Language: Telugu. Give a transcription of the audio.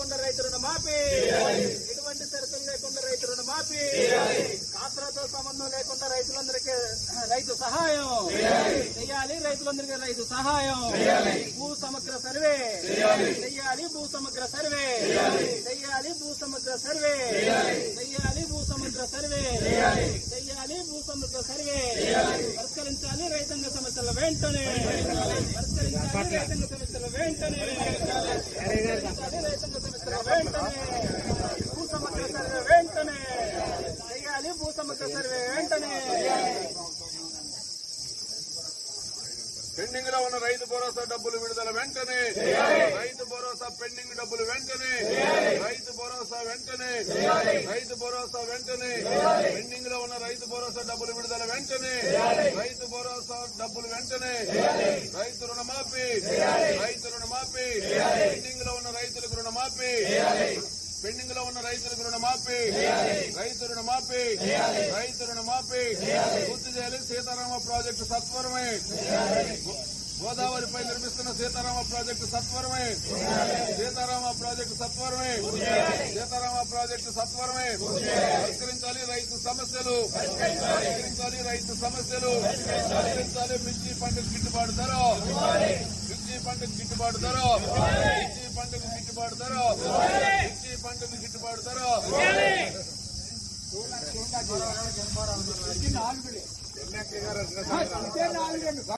లేకుండా రైతు రుణమాఫీ, ఎటువంటి షరతులు లేకుండా రైతు రుణమాఫీ, కాసులతో సంబంధం లేకుండా రైతులందరికీ రైతు సహాయం చేయాలి, రైతులందరికీ రైతు సహాయం, భూ సమగ్ర సర్వే చెయ్యాలి, భూ సమగ్ర సర్వే చెయ్యాలి, భూ సమగ్ర సర్వే చెయ్యాలి, భూ సమగ్ర సర్వే చెయ్యాలి, భూ సమగ్ర సర్వే పరిష్కరించాలి రైతాంగ సమస్యల వెంటనే, పరిష్కరించాలి రైతాంగ సమస్యల వెంటనే, రైతాంగ సమస్యల వెంటనే, భూ సమగ్ర సర్వే వెంటనే చెయ్యాలి, భూ సమగ్ర సర్వే వెంటనే. పెండింగ్ లో ఉన్న రైతు భరోసా డబ్బులు విడుదల వెంటనే, రైతు భరోసా పెండింగ్ డబ్బులు వెంటనే, రైతు భరోసా వెంటనే, రైతు భరోసా వెంటనే, పెండింగ్ లో ఉన్న రైతు భరోసా డబ్బులు విడుదల వెంటనే, రైతు భరోసా డబ్బులు వెంటనే, రైతు రుణమాఫీ, రైతు రుణమాఫీ, పెండింగ్ లో ఉన్న రైతులకు రుణమాఫీ, పెండింగ్ లో ఉన్న రైతులకు రుణమాఫీ, రైతు రుణమాఫీ, రైతు రుణమాఫీ పూర్తి చేయాలి. సీతారామ ప్రాజెక్టు సత్వరమే, గోదావరిపై నిర్మిస్తున్న సీతారామ ప్రాజెక్టు సత్వరమే, సీతారామ ప్రాజెక్టు సత్వరమే, సీతారామ ప్రాజెక్టు సత్వరమే పరిష్కరించాలి రైతు సమస్యలు, పరిష్కరించాలి రైతు సమస్యలు, పరిష్కరించాలి. మిర్చి పంటకు గిట్టుబాటు ధర, మిర్చి పంటకు గిట్టుబాటు ధర, మిర్చి పంటకు గిట్టుబాటు ధర, మిర్చి పంటకు గిట్టుబాటు ధర.